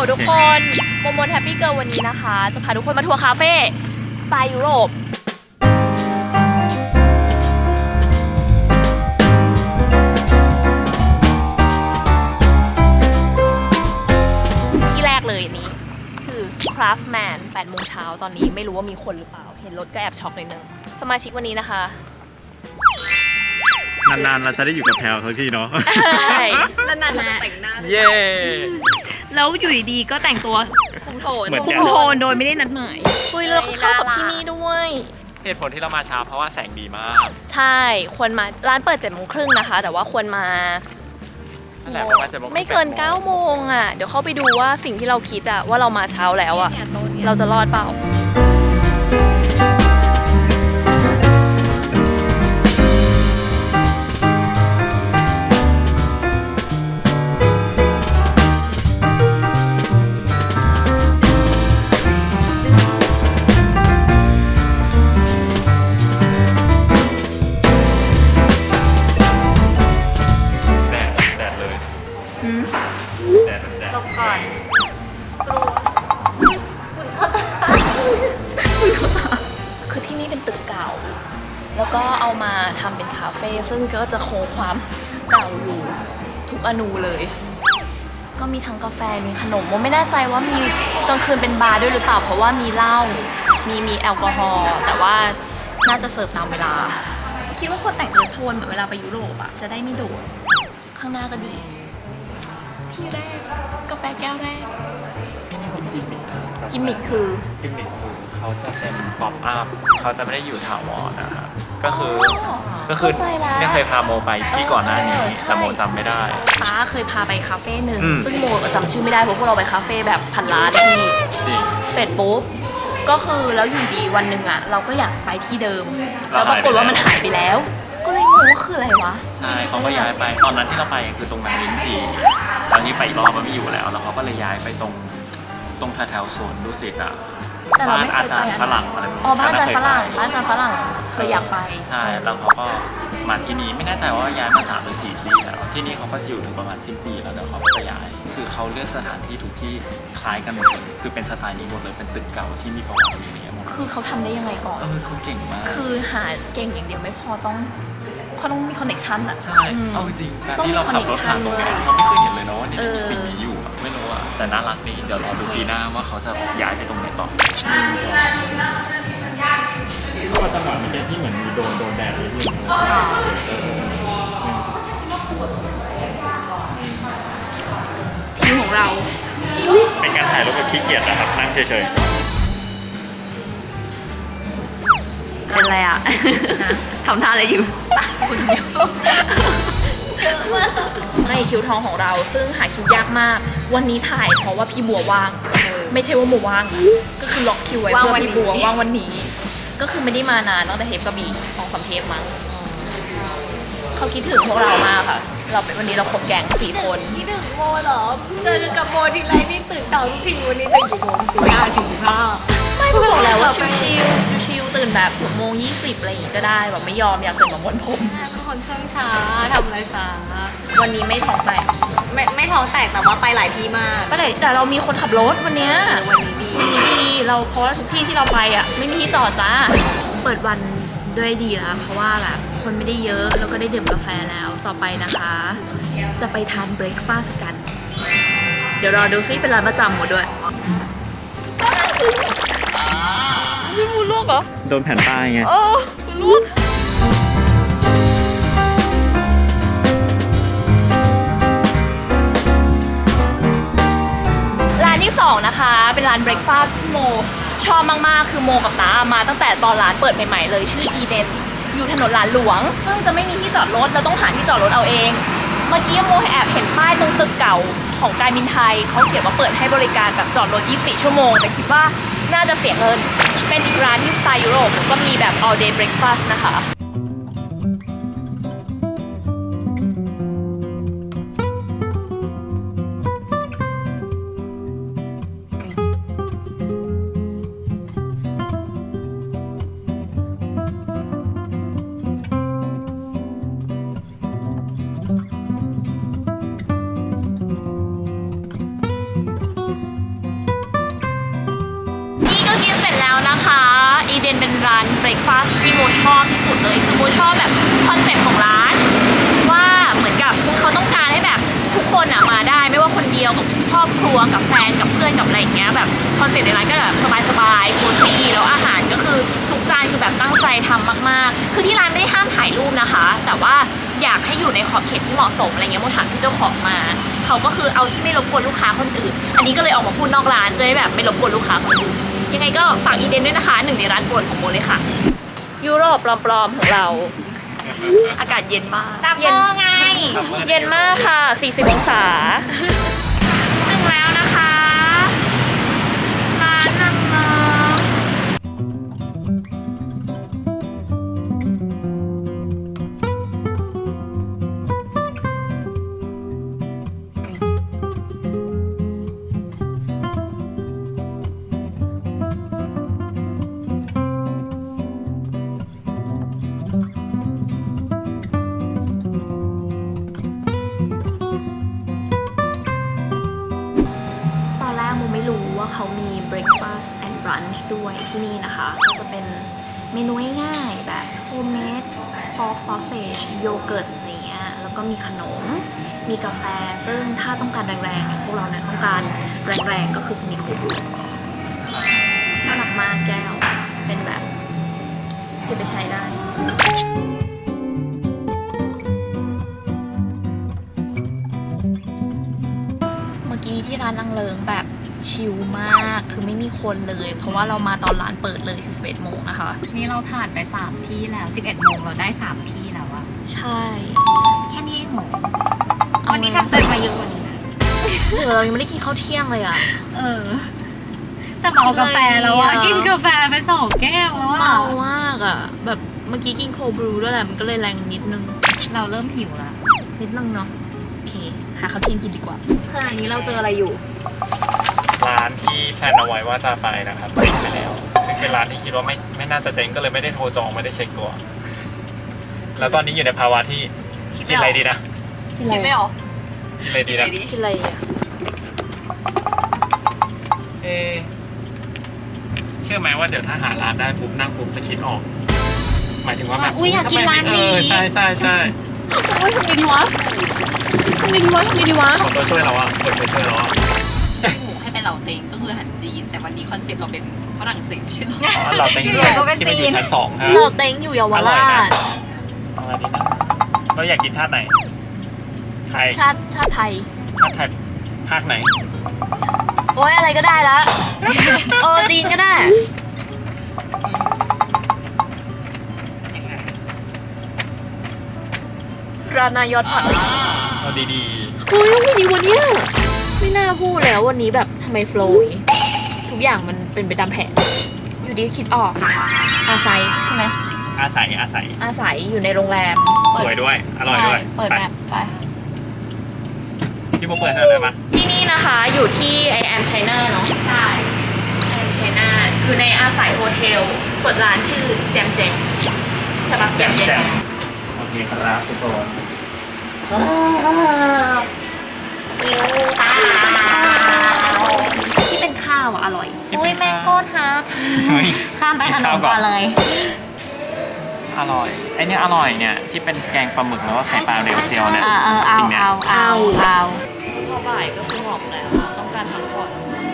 ทุกคนโมโมแฮปปี้เกิร์ลวันนี้นะคะจะพาทุกคนมาทัวร์คาเฟ่สไตล์ยุโรปที่แรกเลยนี้คือ Craftman 8 โมงเช้าตอนนี้ไม่รู้ว่ามีคนหรือเปล่าเห็นรถก็แอบช็อกนิดนึงสมาชิกวันนี้นะคะนานๆเราจะได้อยู่กับแพลวทั้งทีเนาะใช่นานๆเราจะแต่งหน้าเย้แล้วอยู่ดีๆก็แต่งตัวคุมโทนโดยไม่ได้นัดหมายเฮ้ยแล้วเข้ากับที่นี่ด้วยเหตุผลที่เรามาช้าเพราะว่าแสงดีมากใช่ควรมาร้านเปิด7:30นะคะแต่ว่าควรมาไม่เกิน9 โมงอ่ะเดี๋ยวเข้าไปดูว่าสิ่งที่เราคิดอ่ะว่าเรามาเช้าแล้วอ่ะเราจะรอดเปล่าคือที่นี่เป็นตึกเก่าแล้วก็เอามาทำเป็นคาเฟ่ซึ่งก็จะคงความเก่าอยู่ทุกอนูเลยก็มีทั้งกาแฟมีขนมไม่แน่ใจว่ามีกลางคืนเป็นบาร์ด้วยหรือเปล่าเพราะว่ามีเหล้ามีแอลกอฮอล์แต่ว่าน่าจะเสิร์ฟตามเวลาคิดว่าคนแต่งเนื้อโทนเหมือนเวลาไปยุโรปอะจะได้ไม่โดดข้างหน้าก็ดีที่แรกกาแฟแก้วแรกกิมมิคคือเขาจะเป็นป๊อปอัพเขาจะไม่ได้อยู่ถาวรนะครับก็คือเนี่ยเคยพาโมไปที่ก่อนหน้านี้แต่โมจำไม่ได้ป้าเคยพาไปคาเฟ่หนึ่งซึ่งโมจำชื่อไม่ได้เพราะพวกเราไปคาเฟ่แบบพันล้านที่เสร็จปุ๊บก็คือแล้วอยู่ดีวันหนึ่งอ่ะเราก็อยากไปที่เดิมแล้วปรากฏว่ามันหายไปแล้วก็เลยงงว่าคืออะไรวะใช่เขาก็ย้ายไปตอนนั้นที่เราไปคือตรงนั้นลิ้นจี่ตอนนี้ไปอีกรอบมันไม่อยู่แล้วเขาก็เลยย้ายไปตรงแถวโซนดุสิตอ่ะบ้านอาจารย์ฝรั่งอะไรบ้านอาจารย์ฝรั่งเคยอยากไปใช่แล้วเขาก็มาที่นี่ไม่แน่ใจว่าย้ายมา3 หรือ 4 ที่แล้วที่นี่เขาก็อยู่ถึงประมาณ10 ปีแล้วเดี๋ยวเขาจะย้ายคือเขาเลือกสถานที่ทุกที่คล้ายกันหมดเลยคือเป็นสไตล์นี้หมดเลยเป็นตึกเก่าที่มีประวัติอย่างนี้หมดคือเขาทำได้ยังไงก่อนเขาเก่งมากคือหาเก่งอย่างเดียวไม่พอต้องมีคอนเนคชั่นอ่ะใช่เอาจริงการที่เราขับรถผ่านตรงนี้เราไม่เคยเห็นเลยเนาะว่านี่มีสิ่งนี้อยู่ไม่รู้อะแต่น่ารักดีเดี๋ยวรอดูปีหน้าว่าเขาจะย้ายไปตรงไหนต่อที่ว่าจังหวะเมื่อกี้ที่เหมือนมีโดนแดดเลยที่ทีมของเราเป็นการถ่ายรูปแบบขี้เกียจนะครับนั่งเฉยๆเป็นไรอ่ะทำท่าอะไรอยู่คุณเดียวในคิวทองของเราซึ่งหาคิวยากมากวันนี้ถ่ายเพราะว่าพี่บัวว่างไม่ใช่ว่าโมว่างก็คือล็อกคิวไว้เพื่อพี่บัวว่างวันนี้ก็คือไม่ได้มานานตั้งแต่เทปกระบี่2-3 เทปมั้งเขาคิดถึงพวกเรามากค่ะเราเป็นวันนี้เราครบแก๊ง4 คนคิดถึงโมเหรอเจอกับโมทีไรนี่ตื่นเช้าทุกทีวันนี้ตื่นกี่โมง 4:45ไม่บอกแล้วว่าชิวตื่นแบบ6:20อะไรอย่างงี้ก็ได้แบบไม่ยอมอยากตื่นมาม้วนผมเป็นคนช่วงช้าทำอะไรช้าวันนี้ไม่ท้องแตกไม่ท้องแตกแต่ว่าไปหลายที่มากไปไหนแต่เรามีคนขับรถวันนี้ดีเราเพราะว่าทุกที่ที่เราไปอ่ะไม่มีที่จอดจ้าเปิดวันด้วยดีแล้วเพราะว่าแบบคนไม่ได้เยอะแล้วก็ได้ดื่มกาแฟแล้วต่อไปนะคะจะไปทานเบรคฟาสต์กันเดี๋ยวรอดูซิเป็นร้านประจำหมดด้วยไม่มูลวกเหรอโดนแผ่นป้ายไงลวกร้านที่2นะคะเป็นร้านเบรคฟาสต์โมชอบมากๆคือโมกับน้ามาตั้งแต่ตอนร้านเปิดใหม่ๆเลยชื่ออีเดนอยู่ถนนหลานหลวงซึ่งจะไม่มีที่จอดรถเราต้องหาที่จอดรถเอาเองเมื่อกี้โมแอบเห็นป้ายตรงตึกเก่าของการบินไทยเขาเขียนว่าเปิดให้บริการแบบจอดรถ24 ชั่วโมงแต่คิดว่าน่าจะเสียเงินเป็นอีกร้านที่สไตล์ยุโรปก็มีแบบ all day breakfast นะคะแล้วนะคะอีเดนเป็นร้านเบรคฟาสต์ที่โมชอบที่สุดเลยคือโมชอบแบบคอนเซ็ปต์ของร้านว่าเหมือนกับเขาต้องการให้แบบทุกคนอะมาได้ไม่ว่าคนเดียวกับครอบครัวกับแฟนกับเพื่อนกับอะไรอย่างเงี้ยแบบคอนเซ็ปต์ในร้านก็แบบสบายๆโคซี่แล้วอาหารก็คือทุกจานคือแบบตั้งใจทำมากๆคือที่ร้านไม่ได้ห้ามถ่ายรูปนะคะ แต่ว่าอยากให้อยู่ในขอบเขตที่เหมาะสมอะไรเงี้ยโมถามที่เจ้าของมาเขาก็คือเอาที่ไม่รบกวนลูกค้าคนอื่นอันนี้ก็เลยออกมาพูดนอกร้านจะได้แบบไม่รบกวนลูกค้าคนอื่นยังไงก็ฝากอีเดนด้วยนะคะหนึ่งในร้านโปรดของโมเลยค่ะยุโรปปลอมๆของเรา อากาศเย็นมากซัมเมอร์ไงเย็นมากค่ะ 40 องศา ถึงแล้วนะคะร้านนำมาตอนแรกโมไม่รู้ว่าเขามี breakfast and brunch ด้วยที่นี่นะคะก็จะเป็นเมนูง่ายๆแบบ homemade pork sausage โยเกิร์ตอะไรเงี้ยแล้วก็มีขนม มีกาแฟ ซึ่งถ้าต้องการแรงๆอย่างพวกเราเนี่ยต้องการแรงๆก็คือจะมีโคบูน่ารักมากแก้ว เป็นแบบเก็บไปใช้ได้ เมื่อกี้ที่ร้านนางเลิงแบบชิลมาก คือไม่มีคนเลย เพราะว่าเรามาตอนร้านเปิดเลยคือ11 โมงนะคะนี่เราผ่านไป3ที่แล้ว11 โมงเราได้3ที่แล้วอะใช่แค่นี้เองเหรอวันนี้ทำใจมาเยอะกว่านี้นะเดี๋ยวเรายังไม่ได้กินข้าวเที่ยงเลยอ่ะแต่เมากาแฟแล้วอะอะไรอ่ะกินกาแฟไป2 แก้วแล้วอะเมามากอ่ะ แบบเมื่อกี้กินโคบรูด้วยแหละมันก็เลยแรงนิดนึงเราเริ่มหิวแล้วนิดนึงเนาะ โอเค หาข้าวเที่ยงกินดีกว่าขณะนี้เราเจออะไรอยู่ร้านที่แพลนเอาไว้ว่าจะไปนะครับเจ๊งไปแล้ว ซึ่งเป็นร้านที่คิดว่าไม่น่าจะเจ๊งก็เลยไม่ได้โทรจองไม่ได้เช็คก่อนแล้วตอนนี้อยู่ในภาวะที่กินอะไรดีนะกินอะไรคิดไม่ออกกินอะไรดีนะกินอะไรอ่ะเอะเชื่อไหมว่าเดี๋ยวถ้าหาร้านได้ปุ๊บนั่งปุ๊บจะคิดออก หมายถึงว่าแบบอุ๊ยอยากกินร้านนี้ใช่ใช่ใช่โอ้ยทำไงดีวะทำไงดีวะทำไงดีวะคนตัวช่วยเราอะคนตัวช่วยเราอะหมูให้เป็นเหล่าเต็งก็คืออาหารจีนแต่วันนี้คอนเซ็ปต์เราเป็นฝรั่งเศสใช่ไหมอ๋อเราเต็งอยู่ๆก็เป็นที่มันอยู่จีนชั้น2ครับเราเต็งอยู่เยาวอร่อยรานะชเอาอะไรดีนะเราอยากกินชาติไหนไทยชาติไทยชาติไทยภาคไหนโอ้ยอะไรก็ได้ละ จีนก็ได้ยังไงรานายอดผัดเอาดีเฮ้ยวันนี้วันเนี้ยไม่น่าพูดแล้ววันนี้แบบทำไมโฟล์อย่างงี้ทุกอย่างมันเป็นไปตามแผน อยู่ดีคิดออก อาศัยใช่ไหมๆอาศัยอาศัยอยู่ในโรงแรมสวยด้วย อร่อยด้วยเปิดแบบไปพี่โบเปิดให้หน่อยได้ไหมที่นี่นะคะอยู่ที่ I am China เนาะ ใช่ I am China อยู่ในอาศัยโฮเทล เปิดร้านชื่อแจมแจมใช่ปะแจมแจมโอเคครับทุกคนที่เป็นข้าวอะอร่อยอุ้ยแมงโก้ทาร์ตเฮ้ยข้ามไปขนมก่อนเลยอร่อยไอเนี้ยอร่อยเนี่ยที่เป็นแกงปลาหมึกแล้วก็ไข่ปลาเรียวเซียวเนี่ยเอาสิ่งเนี้ยพอบ่ายก็คือหอมแล้วต้องการพักผ่อน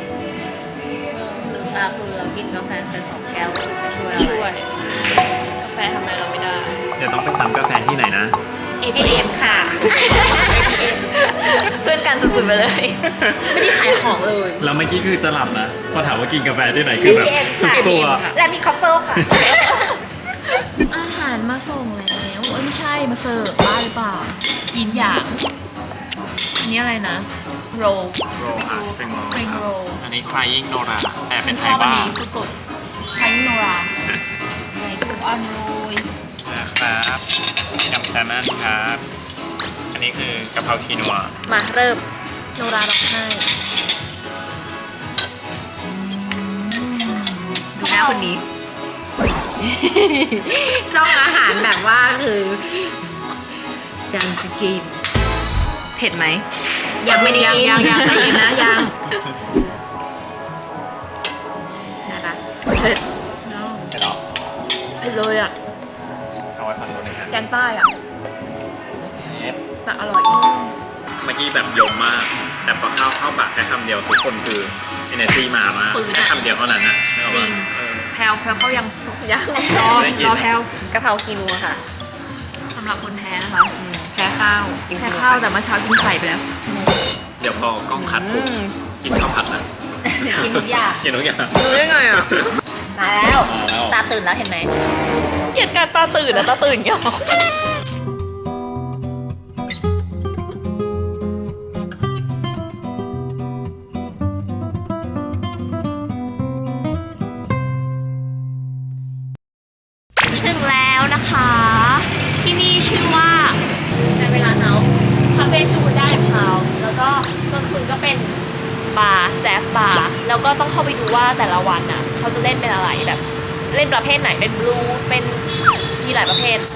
ลืมตาคือเรากินกาแฟไป2 แก้วก็คือไม่ช่วยอะไรช่วยกาแฟทำอะไรเราไม่ได้เดี๋ยวต้องไปซ้ำกาแฟที่ไหนนะ ATM ค่ะ ATM เพื่อนกันสุดๆไปเลย ไม่ได้ขายของเลยแล้วเมื่อกี้คือจะหลับนะพอถามว่ากินกาแฟที่ไหนคือแบบ ATM ค่ะตัวและมีคอฟเฟิลค่ะอาหารมาส่งแล้วเอ้ยไม่ใช่มาเสิร์ฟบ้าหรือเปล่ากินอย่างอันนี้อะไรนะโรลโรอาสปริงโร Spring roll อันนี้ crying Nora แต่เป็นไทชอย บอันบ้านี้สุดๆไทยโนราไหนถูกอันโรยนะครับยำแซลมอนครับ อันนี้คือกะเพราคีนัวมาเริ่มโนราร้องไห้ดูหน้าคนนี้ จ้องอาหารแบบว่าคือจังจะกิน เผ็ดไหม ยังไม่ได้กินยังใจเย็นนะยังนะคะเผ็ดใต้อะแต่อร่อยเมื่อกี้แบบยมมาก แต่พอเข้าปากแค่คำเดียวทุกคนคือ energy มามากแค่คำเดียวเท่านั้นนะจริง แพลวเขายังยังรอแพลวกะเพราคีนัวค่ะสำหรับคนแพ้นะคะแพ้ข้าวกินแพ้ข้าวแต่เมื่อเช้ากินไข่ไปแล้วเดี๋ยวพอกล้องคัดปุ๊บกินข้าวผัดนะกินทุกอย่างกินทุกอย่างรู้ได้ไงอ่ะมาแล้วมาแล้วตาตื่นแล้วเห็นไหมเกลียดการตาตื่นนะตาตื่นเงี้ยหรอถึงแล้วนะคะ ที่นี่ชื่อว่าในเวลาเฮาส์คาเฟ่ชื่อว่าได้เฮาส์แล้วก็กลางคืนก็เป็นบาร์แจ๊สบาร์แล้วก็ต้องเข้าไปดูว่าแต่ละวันน่ะเขาจะเล่นเป็นอะไรแบบเล่นประเภทไหนเป็นบลูส์เป็นมีหลายประเภท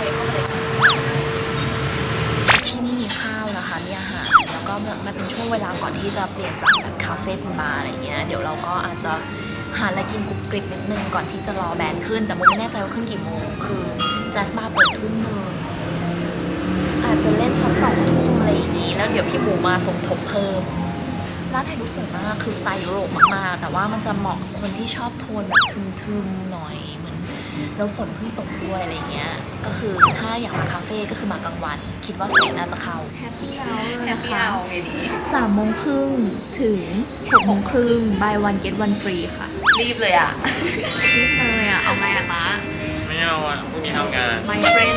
ที่นี่มีข้าวนะคะมีอาหารแล้วก็มันเป็นช่วงเวลาก่อนที่จะเปลี่ยนจากแบบคาเฟ่เป็นบาร์อะไรเงี้ยเดี๋ยวเราก็อาจจะหาอะไรกินกรุบกริบนิดนึงก่อนที่จะรอแบนด์ขึ้นแต่โมไม่แน่ใจว่าขึ้นกี่โมงคือแจ๊สบาร์เปิดทุ่มนึงอาจจะเล่นสัก2 ทุ่มอะไรอย่างงี้แล้วเดี๋ยวพี่หมูมาสมทบเพิ่มร้านถ่ายรูปสวยมากคือสไตล์ยุโรปมากๆแต่ว่ามันจะเหมาะกับคนที่ชอบโทนแบบทึมๆหน่อยเหมือนแล้วฝนเพิ่งตกด้วยอะไรเงี้ยก็คือถ้าอยากมาคาเฟ่ก็คือมากลางวันคิดว่าแสงน่าจะเข้าแฮปปี้แล้วแฮปปี้เอาไงดี 3:30 ถึง 6:30 buy one get one free ค่ะรีบเลยอ่ะรีบเลยอ่ะ เอาไงอะตาไม่เอาอ่ะพรุ่งนี้ทำงาน my friend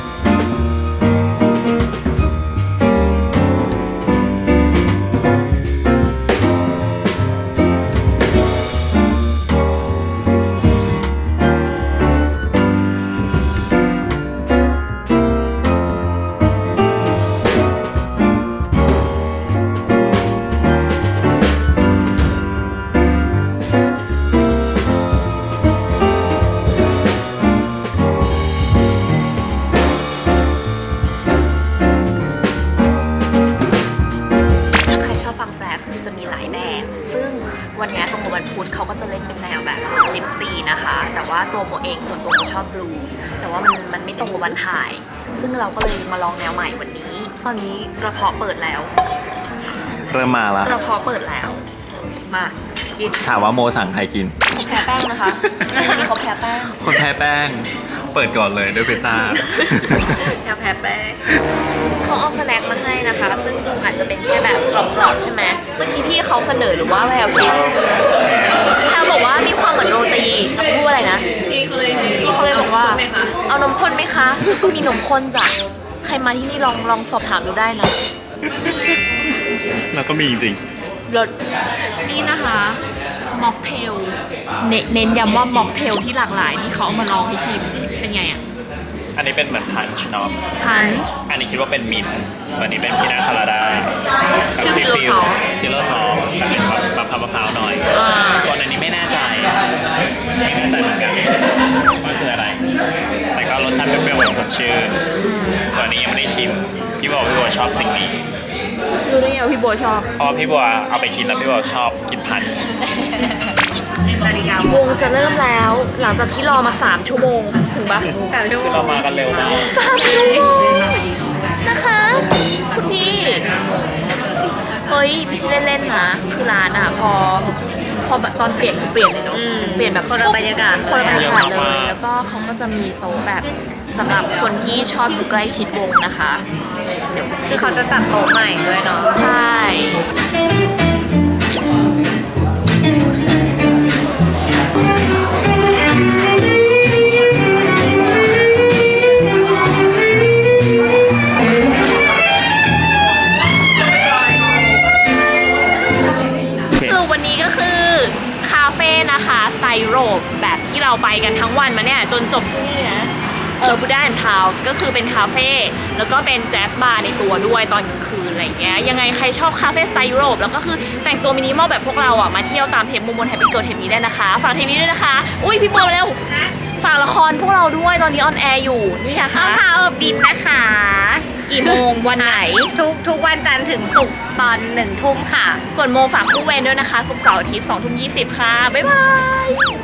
ถ้าใครชอบฟังแจ๊สคือจะมีหลายแบบ ซึ่งวันนี้ตรงกับวันพุธเขาก็จะเล่นเป็นแนวแบบจิปซีนะคะ แต่ว่าตัวโมเองส่วนตัวโมชอบบลูแต่ว่ามันไม่ตรงกับวันถ่าย ซึ่งเราก็เลยมาลองแนวใหม่วันนี้ ตอนนี้กระเพาะเปิดแล้วเริ่มมาแล้วกระเพาะเปิดแล้ว มากินถามว่าโมสั่งใครกินแพ้แป้งนะคะวันนี้เขาแพ้แป้งคนแพ้แป้ง เปิดก่อนเลยด้วยพิซซ่าอยากแพ้แป้งเขาเอาสแน็คมาให้นะคะ ซึ่งดูอาจจะเป็นแค่แบบกรอบๆใช่ไหมเมื่อกี้พี่เขาเสนอหรือว่าแววคิดชาบอกว่ามีความเหมือนโรตีแล้วพูดอะไรนะพี่เขาเลยพี่เขาเลยบอกว่าไหมคะเอานมข้นไหมคะก็มีนมข้นจ้ะใครมาที่นี่ลองสอบถามดูได้นะแล้วก็มีจริงรสนี่นะคะม็อกเทลเน้นย้ำว่าม็อกเทลที่หลากหลายที่เขาเอามาลองให้ชิมเป็นไงอ่ะอันนี้เป็นเหมือนพันช์เนาะพันช์อันนี้คิดว่าเป็นมินท์ส่วนอันนี้เป็นพีนาคาราดาชื่อพิลโลทอล์กพิลโลทอล์กแบบเป็นแบบมะพร้าวหน่อย ส่วนอันนี้ไม่แน่ใจไม่แน่ใจเหมือนกันว่าคืออะไร แต่ก็รสชาติเปรี้ยวๆสดชื่นส่วนอันนี้ยังไม่ได้ชิม พี่บอกพี่บัวชอบสิ่งนี้รู้ได้ไงว่าพี่โบชอบเพราะพี่บัวเอาไปกินแล้วพี่บัวชอบกินพันช์นาฬิกาวงจะเริ่มแล้ว หลังจากที่รอมา3 ชั่วโมงถึงปะแต่ชั่วโมคือเรางมากันเร็วมาก 3 ชั่วโมงนะคะคุณพี่เฮ้ยไม่ใช่เล่นๆนะคือร้านอ่ะพอแบบตอนเปลี่ยนคือเปลี่ยนเลยเนาะเปลี่ยนแบบคนละบรรยากาศคนละบรรยากาศเลเยอะมากย แล้วก็เขาก็จะมีโต๊ะแบบสำหรับคนที่ชอบอยู่ใกล้ชิดวงนะคะคือเขาจะจัดโต๊ะใหม่ด้วยเนาะใช่ คือวันนี้ก็คือคาเฟ่นะคะสไตล์ยุโรปแบบที่เราไปกันทั้งวันมาเนี่ยจนจบที่นี่นะบูดาแอนด์ทาวส์ก็คือเป็นคาเฟ่แล้วก็เป็นแจ๊สบาร์ในตัวด้วยตอนกลางคืนอะไรอย่างเงี้ยยังไงใครชอบคาเฟ่สไตล์ยุโรปแล้วก็คือแต่งตัวมินิมอลแบบพวกเราอ่ะมาเที่ยวตามเทปมุมบนแฮปปี้ตัวเทปนี้ได้นะคะฝากเทปนี้ด้วยนะคะอุ้ยพี่โบเร็วฝากละครพวกเราด้วยตอนนี้ออนแอร์อยู่นี่นะเอาคะพาอบดินนะคะกี่โมงวันไหนทุกวันจันทร์ถึงศุกร์ตอน 1 ทุ่มค่ะส่วนโมฝากคู่เวรด้วยนะคะศุกร์เสาร์อาทิตย์ 20:20 ค่ะบ๊ายบาย